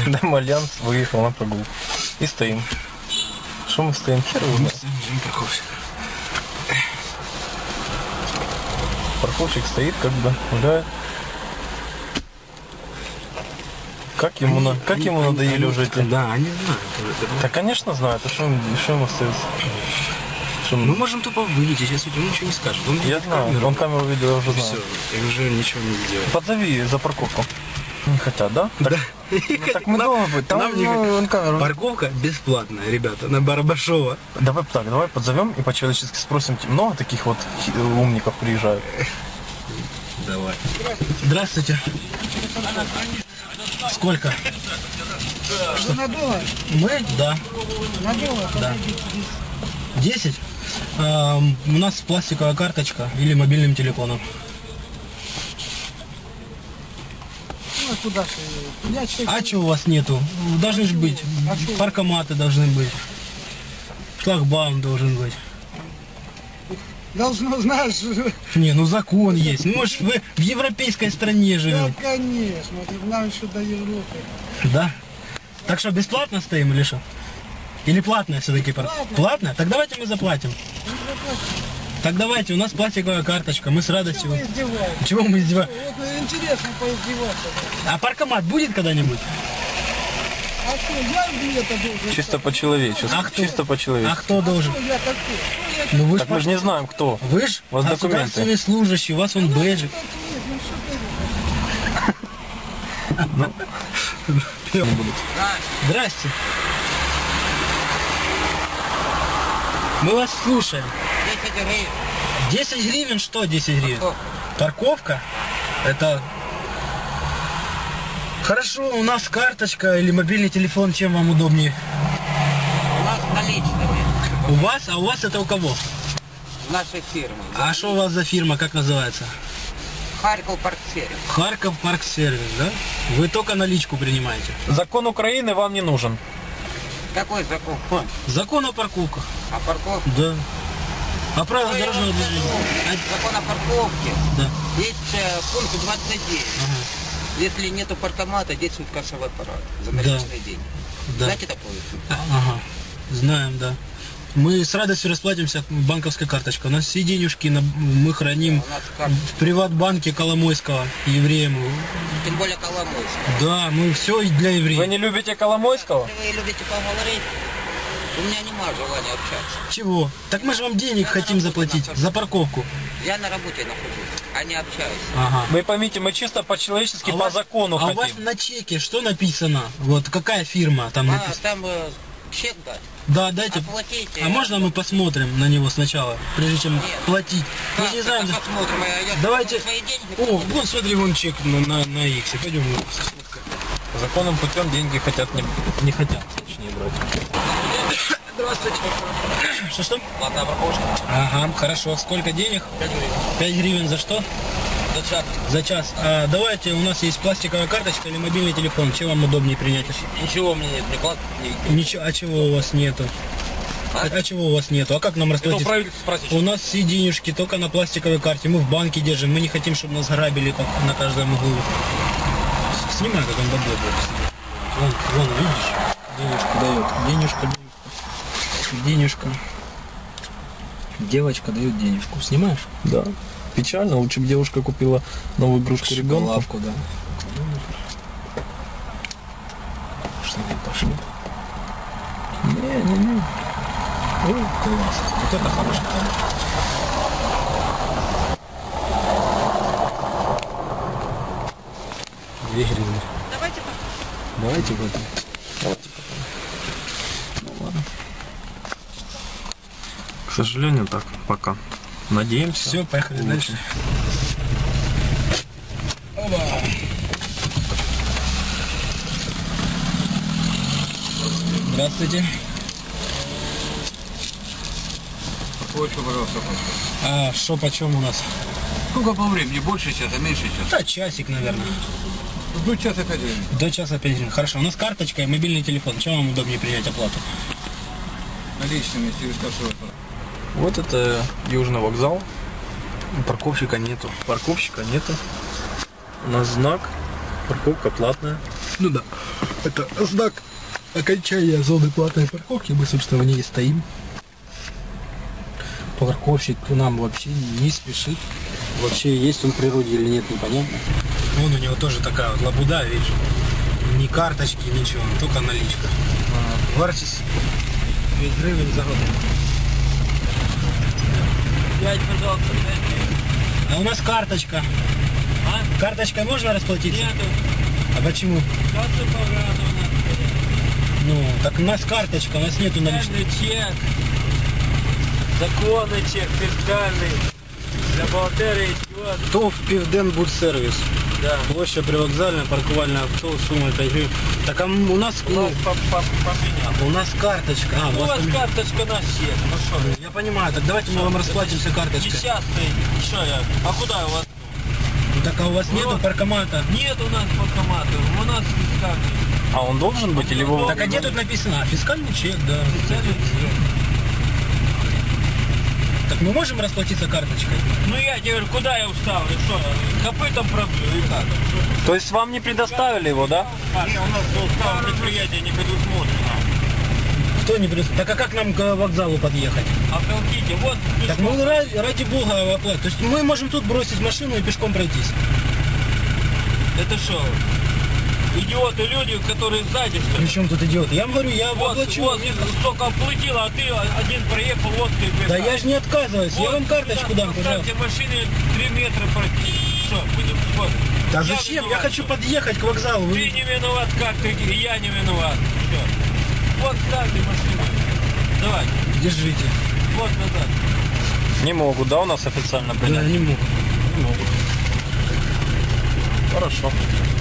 Дом Альянс выехал на прогулку. И стоим. Что мы стоим? Хер его знает. Парковщик стоит, как бы гуляет. Как ему надоели уже эти? Да, они знают. Да, конечно, знают. А что им остается? Мы можем тупо выйти, сейчас он ничего не скажет. Я знаю, он камеру видел, я уже знаю. Все, и уже ничего не сделает. Позови за парковку. Не хотят, да? Да. Так мы дома быть. Там он камеру. Парковка бесплатная, ребята, на Барабашова. Давай подзовем и по-человечески спросим, много таких вот умников приезжают. Давай. Здравствуйте. Сколько? Что надолго? Мы? Да. Надолго? Да. 10? У нас пластиковая карточка или мобильным телефоном. Ну, куда же? А чего у вас нету? Должны же быть. Паркоматы должны быть. Шлагбаум должен быть. Должно, знаешь... Не, ну закон есть. Ну, может, вы в европейской стране Да, живете. конечно. Нам еще до Европы. Да? Так что, бесплатно стоим или что? Или платная все-таки? Платная? Так давайте мы заплатим. Так давайте, у нас пластиковая карточка, мы с радостью... Мы издеваемся. Чего мы издеваемся? Вот интересно поиздеваться. А паркомат будет когда-нибудь? А что, я где-то должен... Чисто по-человечески. А кто? Чисто А по-человечески. кто должен? Что я такой? Ну вы Так мы же не знаем, кто. Вы ж У вас документы. государственный служащий, у вас он бэджик. Здрасте. Мы вас слушаем. 10 гривен. 10 гривен? Что 10 гривен? Парковка. Парковка? Это... Хорошо, у нас карточка или мобильный телефон, чем вам удобнее? У нас наличными. У вас? А у вас это у кого? Нашей фирмы. А что у вас за фирма, как называется? Харьков парксервис. Харьков парксервис, да? Вы только наличку принимаете. Закон Украины вам не нужен. Какой закон? Закон о парковках. А парковка? Да. А правила дорожного движения? Закон о парковке. Да. Есть пункт 29. Ага. Если нету паркомата, действует кассовый аппарат за наличные деньги. Да. Знаете такое? Ага. Знаем, да. Мы с радостью расплатимся банковской карточкой. У нас все денежки мы храним У нас карта. в приватбанке Коломойского, евреям. Тем более Коломойский. Да, мы все для Вы евреев. не любите Коломойского? Если вы любите поговорить, у меня нема желания общаться. Чего? Так мы же вам денег хотим заплатить за парковку. Я на работе нахожусь, а не общаюсь. Ага. Вы поймите, мы чисто по-человечески, А у по вас- закону а у вас хотим. на чеке что написано? Вот какая фирма там А, написано? там чек дать. Да, дайте. Оплатите. А можно мы посмотрим на него сначала, прежде чем Нет. платить? Мы Как же не знаем. это посмотрим, я Давайте. свои деньги. О, вон смотри, вон чек на Иксе. Пойдем. Законным путем деньги не хотят, точнее, брать. Здравствуйте. Что? Платная парковка. Ага, хорошо. Сколько денег? 5 гривен. 5 гривен за что? За час. За час. А, давайте, у нас есть пластиковая карточка или мобильный телефон. Чем вам удобнее принять? Ничего у меня нет, не плат. Ничего, а чего у вас нету? А чего у вас нету? А как нам расплатиться? спросить. У нас все денежки только на пластиковой карте. Мы в банке держим. Мы не хотим, чтобы нас грабили как на каждом углу. Снимай, как он добрый будет. Вон, видишь? Денежку дает. Денежка. Девочка дает денежку. Снимаешь? Да. Печально, лучше бы девушка купила новую игрушку ребенку. Лавку, да. Что ты пошли? Не. Ой, класс. Вот это хороший камень. Две гривны. Давайте в этом. Ну ладно. К сожалению, так, пока. Надеемся. Все, поехали дальше. Оба. Здравствуйте. Больше, пожалуйста. А что почем у нас? Сколько по времени? Больше часа, меньше часа? Да, часик, наверное. До часа 5 гривен. До часа 5 гривен. Хорошо, у нас карточка и мобильный телефон. Чем вам удобнее принять оплату? Наличными через кассовый аппарат. Вот это Южный вокзал. Парковщика нету. У нас знак. Парковка платная. Ну да, это знак окончания зоны платной парковки. Мы, собственно, в ней стоим. Парковщик нам вообще не спешит. Вообще, есть он в природе или нет, непонятно. Вон у него тоже такая вот лабуда, видишь. Ни карточки, ничего, только наличка. Вартість 5 гривен за год. 5, пожалуйста, 5 гривен. А у нас карточка. А? Карточкой можно расплатиться? Нету. А почему? Касса пограна у нас. Ну, так у нас карточка, у нас нету наличных. Фискальный чек. Законный чек, фискальный. Для бухгалтерии идет. ТОВ Південбудсервіс. Да. Площа привокзальная, парковальная авто, сумма 5 гривен. Так а у нас, Поменял. у нас карточка. А, У вас карточка на всех. Ну что? я понимаю, так давайте мы вам расплатимся карточкой. Десятый. Что я? А куда у вас? Ну, так а у вас нету Вот. паркомата? Нет у нас банкомата. У нас фискальный. А он должен быть или вы... Так а где тут написано? А, фискальный чек, да. Фискальный чек. Так мы можем расплатиться карточкой? Ну я тебе говорю, куда я вставлю? Что? Копытом пробью или как? То есть вам не предоставили его, да? Не, у нас устав предприятия не предусмотрено. Кто не придет? Так а как нам к вокзалу подъехать? Оттолкните, вот. Так мы ради бога оплатим. То есть мы можем тут бросить машину и пешком пройтись. Это что? Идиоты люди, которые сзади, что ли? Причем тут идиот? Я вам говорю, я Вот, оплачу. вот, столько оплатила, а ты один проехал, вот ты бежал. Да я же не отказываюсь, я Вот, вам карточку дам, поставьте пожалуйста. машины 3 метра пройти. Что, будем, вот. Да Я зачем? Я виноват, хочу что? подъехать к вокзалу. Ты не виноват, как ты, и я не виноват. Все. Вот ставьте машину. Давай, Держите. вот назад. Не могут, да, у нас официально Да, принять? не могу. Не могут. Хорошо.